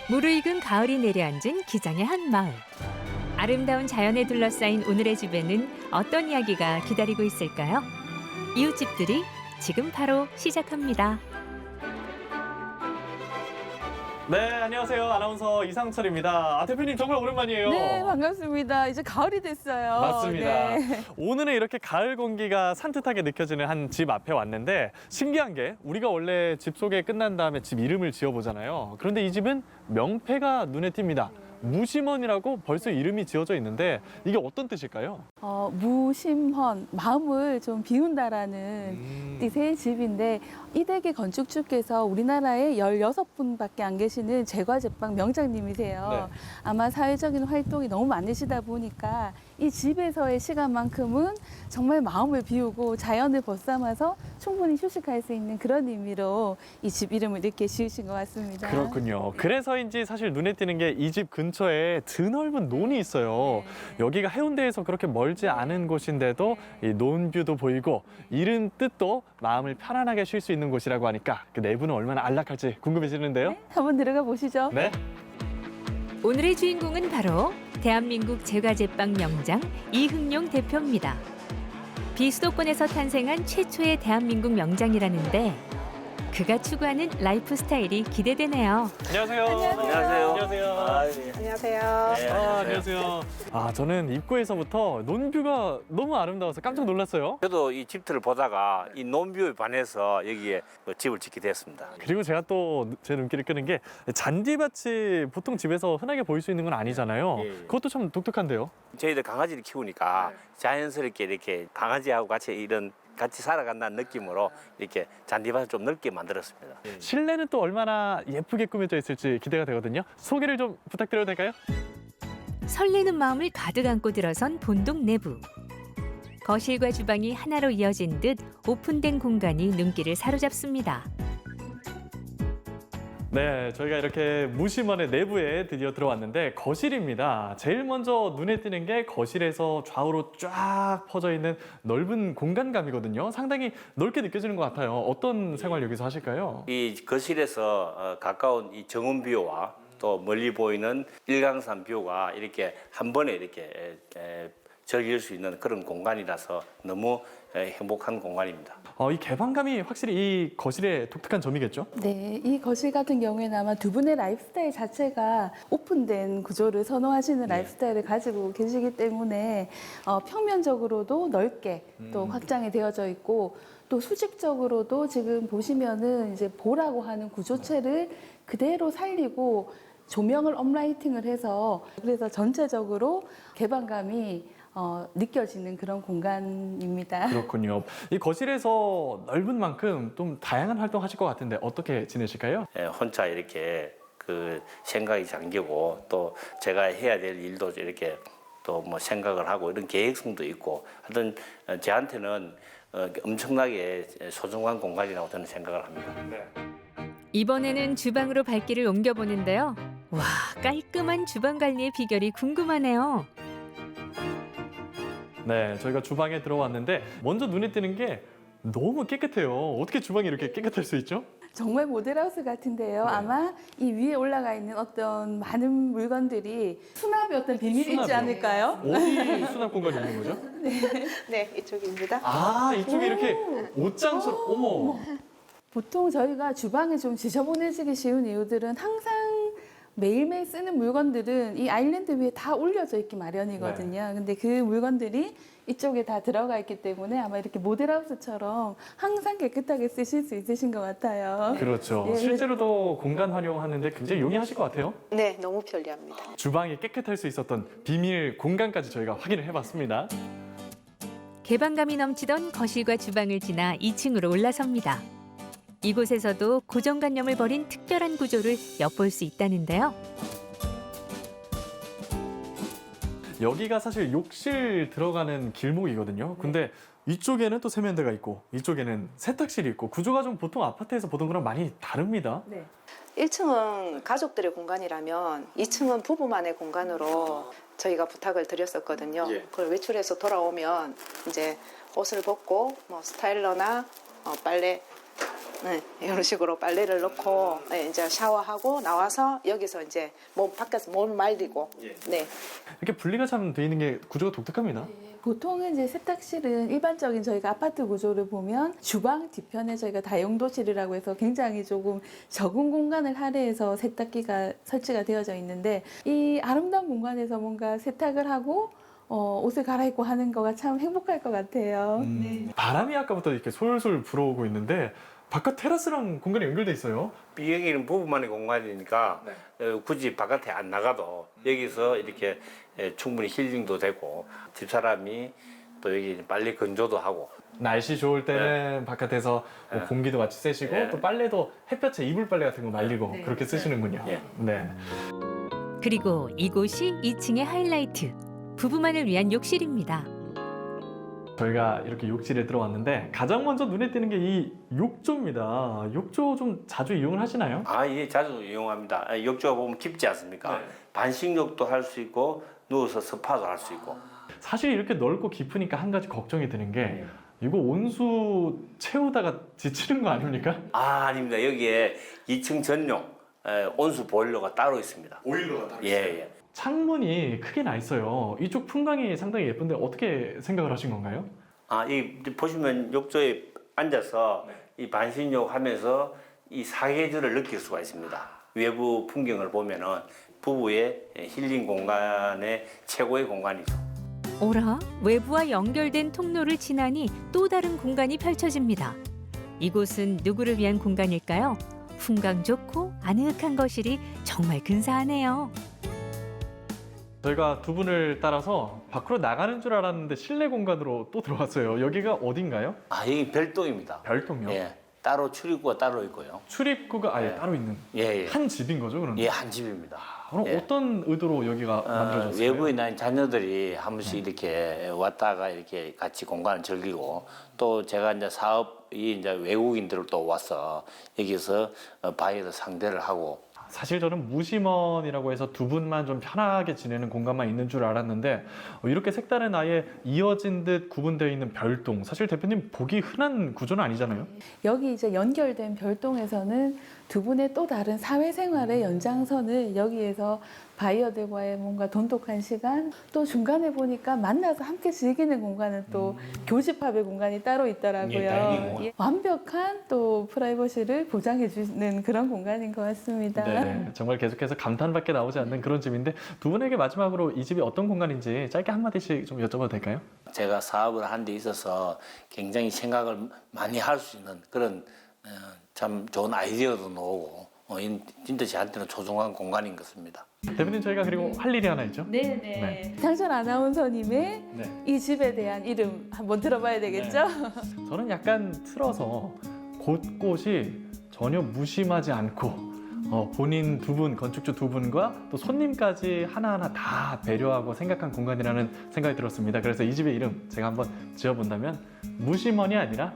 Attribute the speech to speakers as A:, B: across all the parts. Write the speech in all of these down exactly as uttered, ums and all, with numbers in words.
A: 무르익은 가을이 내려앉은 기장의 한 마을. 아름다운 자연에 둘러싸인 오늘의 집에는 어떤 이야기가 기다리고 있을까요? 이웃집들이 지금 바로 시작합니다.
B: 네, 안녕하세요. 아나운서 이상철입니다. 아, 대표님 정말 오랜만이에요.
C: 네, 반갑습니다. 이제 가을이 됐어요.
B: 맞습니다.
C: 네.
B: 오늘은 이렇게 가을 공기가 산뜻하게 느껴지는 한 집 앞에 왔는데 신기한 게 우리가 원래 집 소개 끝난 다음에 집 이름을 지어보잖아요. 그런데 이 집은 명패가 눈에 띕니다. 무심헌이라고 벌써 이름이 지어져 있는데 이게 어떤 뜻일까요?
C: 어, 무심헌, 마음을 좀 비운다라는
B: 음.
C: 뜻의 집인데 이대기 건축주께서 우리나라에 열여섯 분밖에 안 계시는 제과제빵 명장님이세요.
B: 네.
C: 아마 사회적인 활동이 너무 많으시다 보니까 이 집에서의 시간만큼은 정말 마음을 비우고 자연을 벗삼아서 충분히 휴식할 수 있는 그런 의미로 이 집 이름을 이렇게 지으신 것 같습니다.
B: 그렇군요. 그래서인지 사실 눈에 띄는 게 이 집 근처에 드넓은 논이 있어요. 여기가 해운대에서 그렇게 멀지 않은 곳인데도 이 논뷰도 보이고 이른 뜻도 마음을 편안하게 쉴 수 있는 곳이라고 하니까 그 내부는 얼마나 안락할지 궁금해지는데요.
C: 네, 한번 들어가 보시죠.
B: 네.
A: 오늘의 주인공은 바로 대한민국 제과제빵 명장 이흥용 대표입니다. 비수도권에서 탄생한 최초의 대한민국 명장이라는데 그가 추구하는 라이프 스타일이 기대되네요.
B: 안녕하세요.
D: 안녕하세요.
B: 안녕하세요.
D: 아, 예.
E: 안녕하세요.
D: 네,
B: 아, 안녕하세요. 아, 저는 입구에서부터 논뷰가 너무 아름다워서 깜짝 놀랐어요.
D: 저도 이 집들을 보다가 이 논뷰에 반해서 여기에 그 집을 짓게 됐습니다.
B: 그리고 제가 또 제 눈길을 끄는 게 잔디밭이 보통 집에서 흔하게 보일 수 있는 건 아니잖아요.
D: 예, 예.
B: 그것도 참 독특한데요.
D: 저희들 강아지를 키우니까 자연스럽게 이렇게 강아지하고 같이 이런 같이 살아간다는 느낌으로 이렇게 잔디밭을 좀 넓게 만들었습니다.
B: 실내는 또 얼마나 예쁘게 꾸며져 있을지 기대가 되거든요. 소개를 좀 부탁드려도 될까요?
A: 설레는 마음을 가득 안고 들어선 본동 내부. 거실과 주방이 하나로 이어진 듯 오픈된 공간이 눈길을 사로잡습니다.
B: 네, 저희가 이렇게 무심원의 내부에 드디어 들어왔는데 거실입니다. 제일 먼저 눈에 띄는 게 거실에서 좌우로 쫙 퍼져 있는 넓은 공간감이거든요. 상당히 넓게 느껴지는 것 같아요. 어떤 생활 여기서 하실까요?
D: 이 거실에서 어, 가까운 이 정원뷰와 또 멀리 보이는 일강산 뷰가 이렇게 한 번에 이렇게 에, 에, 즐길 수 있는 그런 공간이라서 너무 에, 행복한 공간입니다.
B: 어, 이 개방감이 확실히 이 거실의 독특한 점이겠죠?
C: 네, 이 거실 같은 경우에는 아마 두 분의 라이프 스타일 자체가 오픈된 구조를 선호하시는 라이프 스타일을 가지고 계시기 때문에 어, 평면적으로도 넓게 또 확장이 되어져 있고 또 수직적으로도 지금 보시면은 이제 보라고 하는 구조체를 그대로 살리고 조명을 업라이팅을 해서 그래서 전체적으로 개방감이 어, 느껴지는 그런 공간입니다.
B: 그렇군요. 이 거실에서 넓은 만큼 좀 다양한 활동 하실 것 같은데 어떻게 지내실까요?
D: 예, 혼자 이렇게 그 생각이 잠기고 또 제가 해야 될 일도 이렇게 또 뭐 생각을 하고 이런 계획성도 있고 하여튼 어, 저한테는 어, 엄청나게 소중한 공간이라고 저는 생각을 합니다.
A: 이번에는 주방으로 발길을 옮겨보는데요. 와, 깔끔한 주방 관리의 비결이 궁금하네요.
B: 네, 저희가 주방에 들어왔는데 먼저 눈에 띄는 게 너무 깨끗해요. 어떻게 주방이 이렇게 깨끗할 수 있죠?
C: 정말 모델하우스 같은데요. 아마 이 위에 올라가 있는 어떤 많은 물건들이 수납의 어떤 비밀이 있지
B: 수납이요?
C: 않을까요?
B: 어디 수납 공간이 있는 거죠?
E: 네, 이쪽입니다.
B: 아, 이쪽에 이렇게 옷장처럼, 어머.
C: 보통 저희가 주방에 좀 지저분해지기 쉬운 이유들은 항상 매일매일 쓰는 물건들은 이 아일랜드 위에 다 올려져 있기 마련이거든요. 근데 그 물건들이 이쪽에 다 들어가 있기 때문에 아마 이렇게 모델하우스처럼 항상 깨끗하게 쓰실 수 있으신 것 같아요.
B: 그렇죠.
C: 예,
B: 실제로도 공간 활용하는데 굉장히 용이하실 것 같아요.
E: 네, 너무 편리합니다.
B: 주방이 깨끗할 수 있었던 비밀 공간까지 저희가 확인을 해봤습니다.
A: 개방감이 넘치던 거실과 주방을 지나 이 층으로 올라섭니다. 이곳에서도 고정관념을 버린 특별한 구조를 엿볼 수 있다는데요.
B: 여기가 사실 욕실 들어가는 길목이거든요. 근데 이쪽에는 또 세면대가 있고 이쪽에는 세탁실이 있고 구조가 좀 보통 아파트에서 보던 거랑 많이 다릅니다.
C: 네.
E: 일 층은 가족들의 공간이라면 이 층은 부부만의 공간으로 저희가 부탁을 드렸었거든요.
D: 예.
E: 그걸 외출해서 돌아오면 이제 옷을 벗고 뭐 스타일러나 어, 빨래 네, 이런 식으로 빨래를 넣고 네, 이제 샤워하고 나와서 여기서 이제 몸 밖에서 몸을 말리고 네.
B: 이렇게 분리가 참 돼 있는 게 구조가 독특합니다.
C: 보통은 이제 세탁실은 일반적인 저희가 아파트 구조를 보면 주방 뒤편에 저희가 다용도실이라고 해서 굉장히 조금 적은 공간을 할애해서 세탁기가 설치가 되어져 있는데 이 아름다운 공간에서 뭔가 세탁을 하고 어, 옷을 갈아입고 하는 거가 참 행복할 것 같아요.
B: 음, 바람이 아까부터 이렇게 솔솔 불어오고 있는데 바깥 테라스랑 공간이 연결돼 있어요.
D: 여기는 부부만의 공간이니까 어, 굳이 바깥에 안 나가도 여기서 이렇게 예, 충분히 힐링도 되고 집사람이 또 여기 빨래 건조도 하고
B: 날씨 좋을 때는 바깥에서 뭐
D: 네.
B: 공기도 같이 쐬시고
D: 네.
B: 또 빨래도 햇볕에 이불 빨래 같은 거 말리고
C: 네.
B: 그렇게 쓰시는군요.
D: 네.
B: 네.
A: 그리고 이곳이 이 층의 하이라이트. 부부만을 위한 욕실입니다.
B: 저희가 이렇게 욕실에 들어왔는데 가장 먼저 눈에 띄는 게 이 욕조입니다. 욕조 좀 자주 이용을 하시나요?
D: 아, 예, 자주 이용합니다. 아, 욕조가 보면 깊지 않습니까?
B: 네.
D: 반신욕도 할 수 있고 누워서 스파도 할 수 있고.
B: 사실 이렇게 넓고 깊으니까 한 가지 걱정이 드는 게
D: 네.
B: 이거 온수 채우다가 지치는 거 아닙니까?
D: 아, 아닙니다. 여기에 이 층 전용 에, 온수 보일러가 따로 있습니다.
B: 오일러가 따로
D: 예, 예.
B: 창문이 크게 나 있어요. 이쪽 풍광이 상당히 예쁜데 어떻게 생각을 하신 건가요?
D: 아, 이 보시면 욕조에 앉아서 이 반신욕 하면서 이 사계절을 느낄 수가 있습니다. 외부 풍경을 보면은 부부의 힐링 공간의 최고의 공간이죠.
A: 오라, 외부와 연결된 통로를 지나니 또 다른 공간이 펼쳐집니다. 이곳은 누구를 위한 공간일까요? 풍광 좋고 아늑한 거실이 정말 근사하네요.
B: 저희가 두 분을 따라서 밖으로 나가는 줄 알았는데 실내 공간으로 또 들어왔어요. 여기가 어딘가요?
D: 아, 여기 별도입니다.
B: 별동요?
D: 예, 따로 출입구가 따로 있고요.
B: 출입구가 아예
D: 네.
B: 따로 있는
D: 예, 예.
B: 한 집인 거죠, 그럼?
D: 예, 한 집입니다.
B: 그럼
D: 예.
B: 어떤 의도로 여기가
D: 어,
B: 만들어졌어요?
D: 외부에 난 자녀들이 한 번씩 이렇게 왔다가 이렇게 같이 공간을 즐기고 또 제가 이제 사업이 이제 외국인들을 또 와서 여기서 어, 바이어를 상대를 하고
B: 사실 저는 무심원이라고 해서 두 분만 좀 편하게 지내는 공간만 있는 줄 알았는데 어, 이렇게 색다른 아예 이어진 듯 구분되어 있는 별동, 사실 대표님 보기 흔한 구조는 아니잖아요.
C: 여기 이제 연결된 별동에서는 두 분의 또 다른 사회생활의 연장선을 여기에서 바이어들과의 뭔가 돈독한 시간, 또 중간에 보니까 만나서 함께 즐기는 공간은 또 교집합의 공간이 따로 있더라고요.
D: 예, 딸기 공간.
C: 예, 완벽한 또 프라이버시를 보장해 주는 그런 공간인 것 같습니다.
B: 네, 정말 계속해서 감탄밖에 나오지 않는 그런 집인데 두 분에게 마지막으로 이 집이 어떤 공간인지 짧게 한마디씩 좀 여쭤봐도 될까요?
D: 제가 사업을 한 데 있어서 굉장히 생각을 많이 할 수 있는 그런 어, 참 좋은 아이디어도 나오고 어, 이- 진짜 저한테는 소중한 공간인 것 같습니다.
B: 대표님 저희가 그리고 할 일이 하나 있죠?
C: 네네.
B: 네.
C: 상철 아나운서님의
B: 네.
C: 이 집에 대한 이름 한번 들어봐야 되겠죠?
B: 저는 약간 틀어서 곳곳이 전혀 무심하지 않고 어, 본인 두 분, 건축주 두 분과 또 손님까지 하나하나 다 배려하고 생각한 공간이라는 생각이 들었습니다. 그래서 이 집의 이름 제가 한번 지어본다면 무심원이 아니라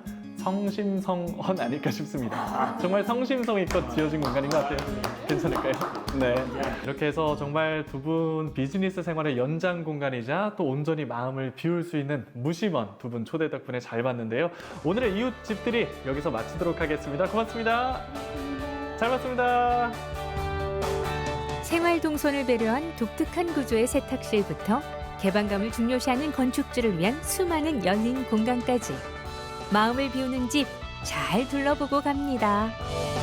B: 성심성헌 아닐까 싶습니다. 정말 성심성의껏 지어진 공간인 것 같아요. 괜찮을까요? 네. 이렇게 해서 정말 두 분 비즈니스 생활의 연장 공간이자 또 온전히 마음을 비울 수 있는 무심원 두 분 초대 덕분에 잘 봤는데요. 오늘의 이웃집들이 여기서 마치도록 하겠습니다. 고맙습니다. 잘 봤습니다.
A: 생활 동선을 배려한 독특한 구조의 세탁실부터 개방감을 중요시하는 건축주를 위한 수많은 열린 공간까지 마음을 비우는 집 잘 둘러보고 갑니다.